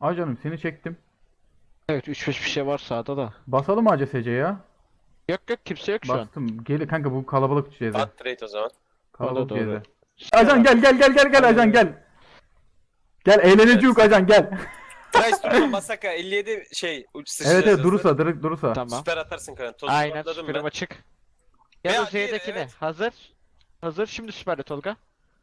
Ajanım seni çektim. Evet 3-5 bir şey var sağda da. Basalım mı ACSC ya? Yok kimse yok şu an. Bastım. Gel kanka bu kalabalık CZ. At trade o zaman. Kalabalık O da doğru. CZ. Ajan gel ajan gel. Gel eğleneceğiz ajan gel. Price durma Masaka 57 şey uç Evet sıçrayacağız. durursa durursa. Tamam. Süper atarsın kanka. Tozu Aynen atladım süperim ben. açık. Veya Ya da diğeri, Z'dekine. evet. Hazır. Hazır. Şimdi süperle Tolga.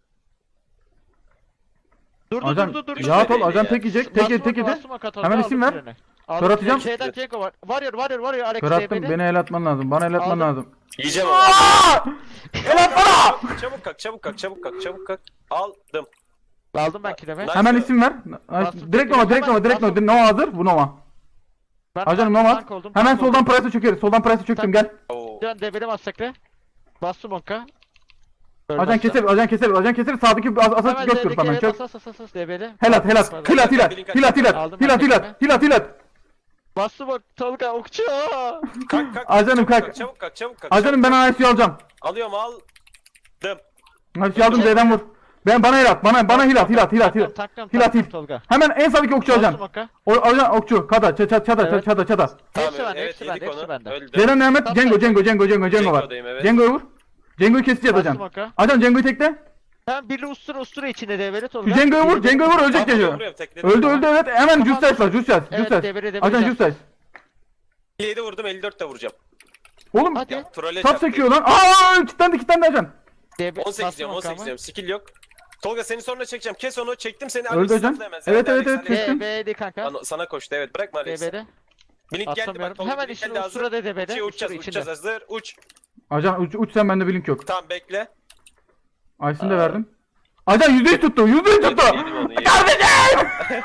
Durdu Ajan durdu durdu. rahat ol Belli ajan ya. tek yiyecek. Tek yedi tek yedi. Hemen isim ver. Kör atacağım. Şeyden Cengo var. Varıyor Alex Kör attım DB'li. beni el atman lazım. Bana el atman Aldım. lazım. Yiyeceğim onu. El atma! Çabuk kalk. Aldım. Aldım ben kileme. Nice. Hemen isim ver. Bastım, Direkt tekrar. Nova direkt Hemen Nova hazır. Bu Nova. Ben Ajanım tank- Nova. tank oldum, Hemen tank soldan oldum. Price'e çökeriz. Soldan Price'e çöktüm gel. Oo. Dön DB'li masakre. Bastım onka. Ajan keser. Sağdaki asas Hemen göz kırp hemen DB'li. çök. Asas DB'li. Helat. Aldım ben tekme. Hilat. Bastım bak Tolga okçu. Kalk. Ajanım kalk. Çabuk kalk. Ajanım ben ASU alacağım. Alıyorum aldım. ASU aldım Z'den vur. Bana hilat. Bana hilat. Taklam Hilat hil. Tolga. Hemen en sağdaki okçu Bastım ajan. onka. Ajan okçu. Çada. Evet. Tamam, Hepsi bende, evet, hepsi bende, yedik hepsi onu. bende. Öldü. Z'den Mehmet. Tamam, Cengo var. Cengo'dayım, evet. Cengo'yu vur. Cengo'yu keseceğiz Bastım ajan. onka. Ajan Cengo'yu tekle. Hem birli ustura içinde DB'li Tolga. Şu Cengo'yu vur. Ölecek Tamam, geliyor. vuruyorum, tekledim. Öldü evet. Hemen Justice var. Evet, devre Ajan can. Justice. 57 vurdum 54 de vuracağım. Oğlum Hadi. Trolle tap sekiyor lan. Aa kitlendi ajan. 18 diyorum. Skill yok. Tolga seni sonra çekeceğim. Kes onu. Çektim seni. Öldü hocam. Alex hemen. Evet, Alex, evet, Alex. kestim. DB'li kanka. Sana koştu evet. Bırakma Alex'i. DB'li. Blink geldi bak. Atamıyorum. Tolga Hemen blink işin geldi hazır. ustura DB'li. Uçuyor, Ustura uçacağız içinde. hazır. Uç. Ajan uç sen bende blink yok. Tamam bekle. Aysin de verdim. Ajan %100 tuttu. %100 tuttu. Yedim onu, yedim. Kardeşim!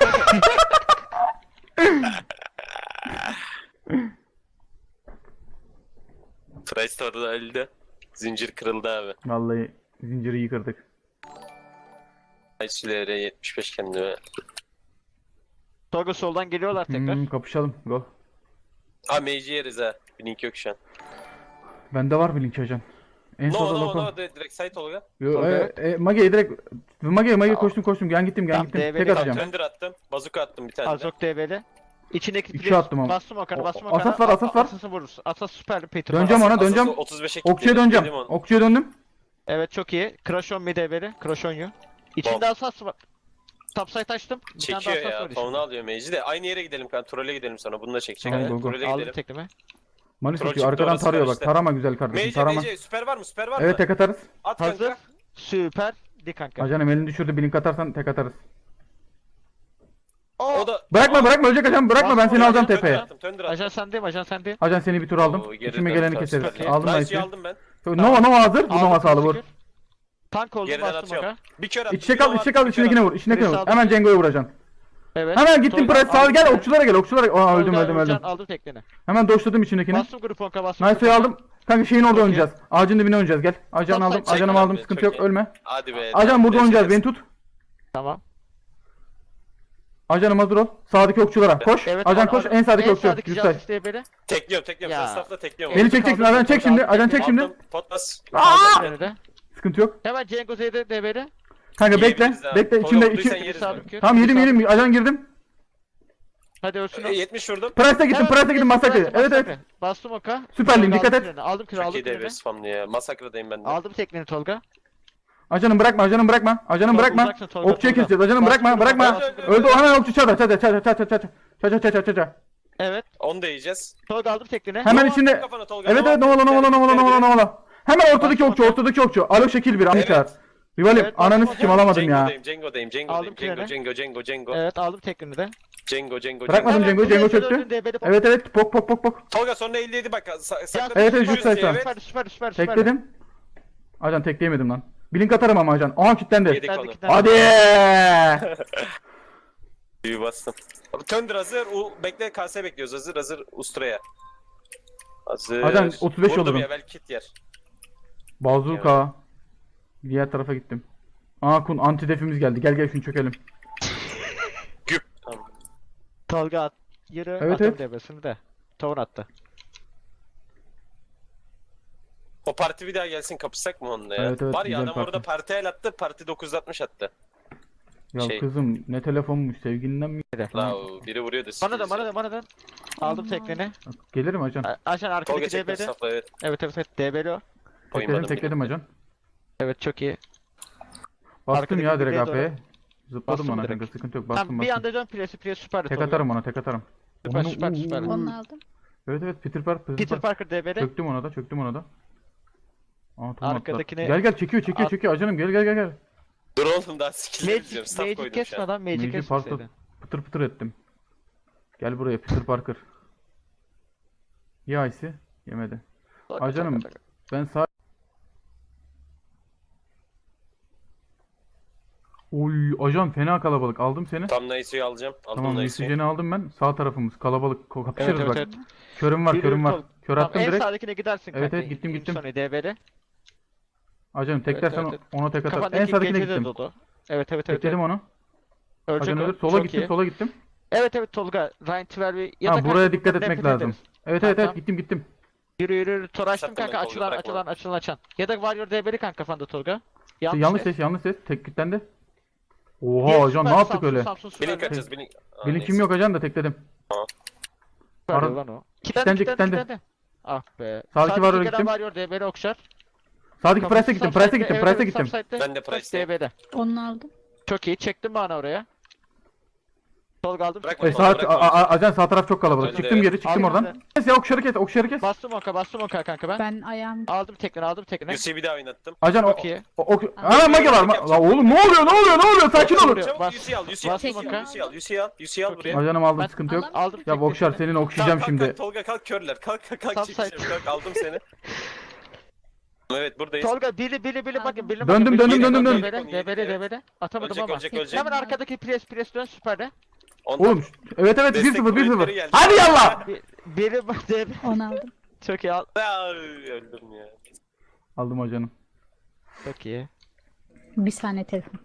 Price orada öldü. Zincir kırıldı abi. Vallahi zinciri iyi kırdık. Ayçilere 75 kendime. Tolga soldan geliyorlar tekrar. Kapışalım. Go. Aa mage'i yeriz ha. Blink yok şu an. Bende var blink ajan. En solda loko. No direkt site Tolga. Yo, Mage'ye direkt Mage koştum. Gel gittim. Tamam, Tek DB'li Tamam atacağım. Thunder attım. Bazuka attım bir tane de. Azok DB'li. İçindeki İki attım ama. Bastım okanı. Asas var. Asası vurursun. Asas süper Peter. Döneceğim ona döneceğim. 35'e Okçuya döneceğim. Okçuya döndüm. Evet çok iyi. Crash on mi DB'li. Crash on you. İçinde asas var. Topside açtım. Bir tane Çekiyor daha asas ya. var içinde. Fauna alıyor mage'i de. Aynı yere gidelim kan. Troll'e gidelim sonra. Bunu da çekecek. Tamam, Evet, go, go. Troll'e Aldım gidelim. tekleme. Malis Troll atıyor. çıktı, Arkadan orası tarıyor var bak. işte. Tarama güzel kardeşim. Tarama. Mage süper var mı? Süper var mı? Evet tek atarız. At Hazır. kanka. Süper. Di kanka. Ajanım elini düşürdü. Blink atarsan tek atarız. O da... Bırakma ölecek ajan. Bırakma ben seni Basma, alacağım Thunder tepeye. attım, Thunder Ajan attım. sendeyim, ajan sendeyim. Ajan seni bir tur aldım. Oo, geri İçime dön, geleni tamam, keseriz. süper. Aldım Nice'yi Nice'yi. aldım ben. Nova hazır. Bu Aldım, Nova sağlı vur. şükür. Tank oldum Geriden bastım atıyorum. oka. Bir kör attım. İçe bir kal, Nova içe attım, kal, bir içindekine kör vur, içindekine Chris vur. aldım. Hemen Cengo'ya vuracaksın. Evet. Hemen gittim Tolga, press sağ aldım gel, tekleni. okçulara gel, okçulara gel. Aa öldüm, Tolga, öldüm. Özcan, aldım tekleni. Hemen doşladım içindekini. Bastım grup onka bastım. Nice'ı aldım. Kanka şeyin orada Çok iyi. oynayacağız. Ağacın dibine oynayacağız gel. Ajanı Tamam, aldım, çek ajanımı lan aldım. beni, Sıkıntı çok yok, iyi. ölme. Hadi be. Ajan burada oynayacağız, beni tut. tut. Tamam. Ajanım hazır ol. Sağdaki okçulara koş. Evet. Ajan koş, en sağdaki okçu. Yüksel. Justice DB'li. Tekliyorum. Ya. Safla tekliyorum. Beni çekeceksin, ajan çek şimdi, ajan çek şimdi. Aldım. Potlas. Aldım önünde. Sıkıntı yok. Hemen Cengo Z'de DB'li. Kanka bekle, Yiyebiliriz ha. bekle Tolga içinde vurduysan içi. yeriz Sağ bak. kür. Tamam yedim, ajan girdim. Hadi ölsün o. 70 vurdum. Price'e gittim, masakre. Evet evet. Bastım oka. Süperliyim, Tolga, dikkat aldım et. treni. Aldım kür, Çok aldım iyi devre treni. spamlı ya. Masakradayım ben de. Aldım tekleni Tolga. Ajanım bırakma, ajanım bırakma. Ajanım Tolga, bırakma. uzaksın, Tolga, Okçuya Tolga. keseceğiz. Ajanım bırakma, Bastım, bırakma. bastım. Öldü o hemen okçu çada. Evet. Onu da yiyeceğiz. Tolga aldım tekleni. Hemen Nova içinde. attım kafana Tolga, Evet Nova evet attım. Novala. Hemen ortadaki okçu. Alo şekil bir Ahmet Evet. çağır. Rivalim Evet, ananı bastım, sikim alamadım ya. Cengo'dayım. Aldım treni. Cengo. Evet aldım tekleni de. Cengo. Bırakmadım Hemen Cengo buraya çöktü. döndün, DB'li pop. Evet pok. Tolga sonra 57 bak. Sakla. Evet, süper, Justice süper, var. süper. Tekledim. Ajan tekleyemedim lan. Blink atarım ama ajan. Aha kilitlendi. Yedik Ben de onu. iki tane- Hadi. Büyü bastım. Thunder hazır. Bekle KS bekliyoruz. Hazır Ustra'ya. Hazır. Ajan, 35 Vurdum olurum. ya belki kit yer. Bazuka. Diğer tarafa gittim. Aa kun anti defimiz geldi. Gel şunu çökelim. Güp. Tamam. Tolga at. Yürü. Evet, Attım evet. DB'sini de. Tavun attı. O parti bir daha gelsin kapışsak mı onunla ya? Evet, Var ya güzel adam parti. orada parti el attı. Parti 960 attı. Ya Şey. kızım ne telefonmuş sevgilinden mi? La biri vuruyor da Bana dön. Aldım tekneni. Gelirim ajan. Ajan Tolga arkadaki çekme DB'de. safla evet. Evet DB'li o. Tekledim ajan. Evet çok iyi. Bastım Arkadaki ya direkt birliğe doğru. AP'ye. Zıpladım Bastım ona direkt. kanka sıkıntı yok. Tamam Bastım bir bastım. anda dön presi süper. Tek atarım ona tek atarım. Süper Onu- süper. Onu aldım. Evet Peter Parker. Peter Parker DB'de. Çöktüm ona da. Aa, tamam, Arkadakine- atlar. Gel çekiyor ajanım gel. Dur oğlum daha skill'leri Magic, izliyorum. Staff Magic koydum kesme şu an. lan Magic Magic kesmeseydin. Pıtır pıtır ettim. Gel buraya Peter Parker. Ya Icy yemedi. Ajanım ben sağ... Oy ajan fena kalabalık aldım seni. Tam Nice'yi alacağım. Aldım Tamam Nice'yi. oksijeni aldım ben. Sağ tarafımız kalabalık. Kapışırız Evet, bak. evet. Körüm var. Yürü, Kör Tamam, attım en direkt. sağdakine gidersin Evet, kanka. evet, gittim. Sonra DB'de. Ajanım teklersen Evet, evet. ona tek atar. En Kafandaki sağdakine gece de gittim. dolu. Evet. Tekledim onu. Ölecek Ajan o. ölür. Sola Çok gittim iyi. sola gittim. Evet Tolga. Ryan Tvervi ya da Ha kanka buraya dikkat buradan etmek nefret lazım. ederiz. Evet Tamam. gittim. Yürü. Tor açtım Sattım ben kanka. Tolga, Açılan. Ya da Warrior DB'li kanka kafanda Tolga. Yanlış ses. Tek kilitlendi. Diğer Oha ajan ne süper, yaptık Samsun, öyle? Samsun Blink süper. atacağız blink. Aa, Benim neyse. kim yok ajan da tekledim. Süper Ara- lan o. Kilitlendi. Ah be. Sağdaki Warrior'a gelen gittim. Warrior DB'li okşar. Sağdaki Price'e gittim. Price'e Evet, gittim. subside'de. Ben de Price'teyim. DB'de. Onu aldım. Çok iyi. Çektim bana oraya. Bırak Tolga aldım. süper. bakalım. Ajan sağ taraf çok kalabalık. Önde, Çıktım evet. geri çıktım Aldım oradan. Kes ya okşarı kes. Bastım oka kanka ben. Ben ayağım Aldım tekrar. Yusi'yi bir daha oynattım. Ajan Çok iyi. Aa mage var. La oğlum ne oluyor? Sakin olun. Vuruyor. Çabuk Bas. Yusi'yi al. Yusi'yi al. Bastım Yusi'yi oka. al. Yusi'yi al Çok buraya. Ajanım aldım Ben- sıkıntı yok. Aldım Ya bu okşar teknesini. senin okşayacağım Kalk, şimdi. Tolga kalk körler. Kalk Subside. çekeceğim. Kalk aldım seni. Evet buradayız. Tolga bili bakın bili Döndüm, bakın. döndüm. DB'de. Atamadım ama. Ölecek. Hemen arkadaki pres dön süperde. Ondan Oğlum evet destek 1-0 kuvvetleri 1-0. geldi. Hadi yallah. Biri DB. onu aldım. Çok iyi. Aa, öldüm ya. Aldım ajanım. Çok iyi. Bir saniye telefon.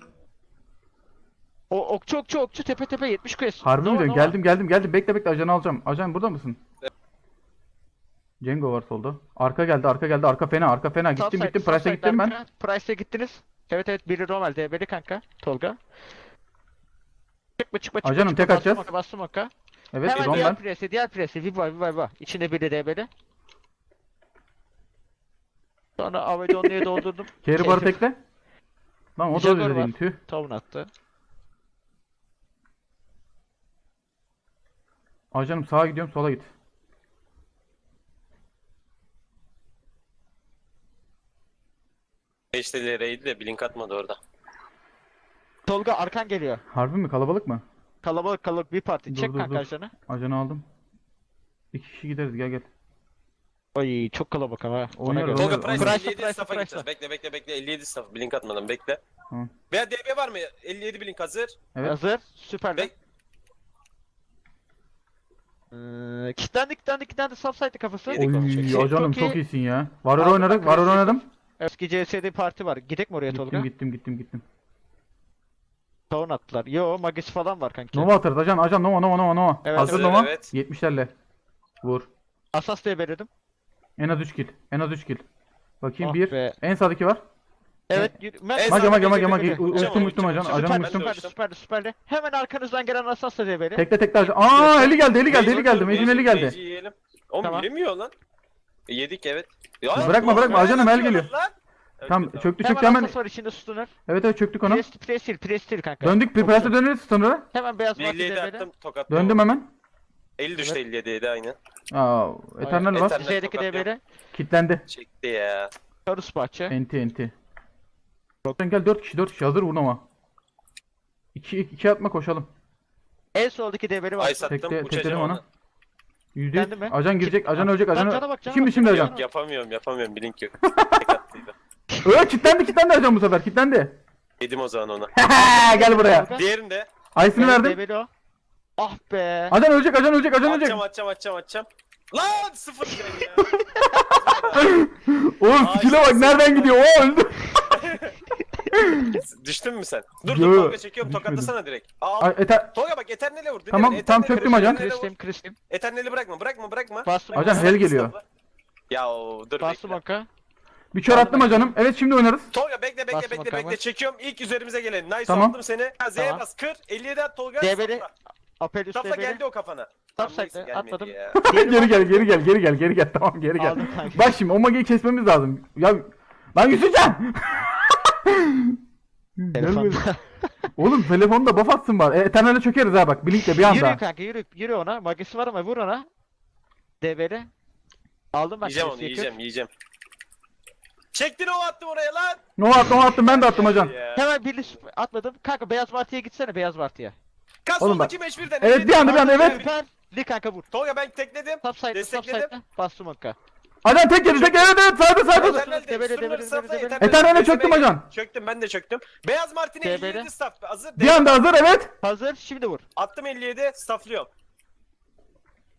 O okçu tepe 70 quest. Harbi mi Nova, diyorsun? Geldim. Bekle ajanı alacağım. Ajan burada mısın? Cengo var solda. Arka geldi. Arka fena. Gittim. Subside, Price'e subside gittim ben. arka. Price'e gittiniz. Evet biri Romal DB'li kanka. Tolga. Çıkma. Ajanım, tek atacağız. Bastım oka. Evet Hemen Rommel. diğer presi. Viva. İçinde biri DB'li. Sonra Avedonlu'ya doldurdum. Carry barı tekle. Lan o da Jaguar öyle değil. var. Tüh. Tavun attı. Ajanım sağa gidiyorum sola git. Beşte raid de blink atmadı orada. Tolga arkan geliyor. Harbi mi? Kalabalık mı? Kalabalık bir parti. Çek Dur. kanka ajanı. Ajanı aldım. 2 kişi gideriz gel. Oy çok kalabalık ama. Ona Oynuyoruz, göre. Tolga Oynuyoruz, Price oynuyoruz. 57 staff'a Price'la. gideceğiz. Bekle 57 staff. Blink atmadan bekle. Tamam. Veya DB var mı? 57 blink hazır. Evet. Hazır. Süper. Bek- Kitlendi subside kafası. Yedik onu, çok iyi. Oy ajanım Çok iyi. çok iyisin ya. Warrior Aldım oynadık. bak, Warrior klasik. oynadım. Eski CS'de parti var. Gidek mi oraya Tolga? Gittim. Tavun attılar. Yo magisi falan var kanki. Nova atarız ajan Nova. Evet, Hazır evet, Nova. evet. 70'lerle. Vur. Asas diye belirledim. En az 3 kill. Bakayım Ah 1. be. En sağdaki var. Evet. En Mage sağdaki mage. geliyor. Uçtum ajan. Ajanım uçtum. Süperdi. Hemen arkanızdan gelen Asas diye beri. Tekle ajan. Aa eli geldi. Mecin eli geldi. Mage'i yiyelim. Oğlum Tamam. yürümüyor lan. Yedik evet. Ya, Bırakma, oğlum, ajanım, el atıyorlar geliyor. lan. Tamam Öldü, çöktü Hemen hemen. Asas var içinde sütunlar. Evet çöktük ona. Prestil kanka. Döndük bir prese döneriz sonra. Hemen beyaz parti 57 diye attım beri. tokattım. Döndüm hemen. 50 düştü 57'ye de aynı. Aa Eternal var. Eternal. Şeydeki diye beri. Kitlendi. Çekti ya. Karus bahçe. Enti. Gel 4 kişi hazır vur Nova. 2 atma koşalım. En soldaki deveri var. Ay sattım Tekledim uçacağım ona. ona. %100. Kendi mi? Ajan girecek, ajan ölecek, Cana ajan. bak, cana Şimdi bak. ajan. Yok yapamıyorum blink yok. Tek attıydı. Kitlendi ajan bu sefer. Kitlendi. Yedim o zaman ona. Gel buraya. Diğerinde Ayısını verdim. Deveri o. Ah be. Ajan ölecek. atacağım. Lan 0 kill ya. Oğlum Ay, skill'e bak nereden gidiyor. O öldü. Düştün mü sen? Dur Yo, Tolga çekiyorum düşmedim. tokatlasana direkt. Aa, Ay, Tolga bak Eternal'e vur. Tamam, tam çöktüm ajan. Kristim. Eternal'i bırakma. Bastım. Ajan hel geliyor. Ya dur Bastım bekle. oka. Bir kör Aldım attım ben. acanım. Evet şimdi oynarız. Tolga bekle bekle Bastım bekle bakalım. bekle. Çekiyorum. İlk üzerimize gelen. Nice Tamam. aldım seni. Ha, Z'ye Tamam. bas. Kır. 57 at Tolga. DB'li. Safla. Apelius Safla DB'li. geldi o kafana. Top Tamam, neyse, side'le gelmedi atladım. ya. Geri gel. Tamam geri gel. Aldım kanka. Bak şimdi o mageyi kesmemiz lazım. Ya lan Yusufcan! Gel böyle. Oğlum telefonda buff atsın var. Eternal'e çökeriz ha bak. Blink'le bir anda. Yürü kanka yürü ona. Magisi var ama vur ona. DB'li. Aldım ben. Yiyeceğim onu Apelius'u, yakın. yiyeceğim. Çektin o attım oraya lan. Nova attım ben de attım acan. Ya. Hemen birli atladım. Kanka beyaz martıya gitsene beyaz martıya. Kas Oğlum soldaki meşbirden. Evet, bir anda, evet. Süper. Li kanka vur. Tolga ben tekledim. Top side'le Destekledim. Bastım onka. Acan tek yedi tek evet saydı. Eternal Debele, de, debele, sınır safla, debele. Eternal Eternal'e de, çöktüm debele. acan. Çöktüm ben de çöktüm. Beyaz Martin'e Debele. 57 staff hazır. Bir anda hazır evet. Hazır şimdi vur. Attım 57 stafflıyorum.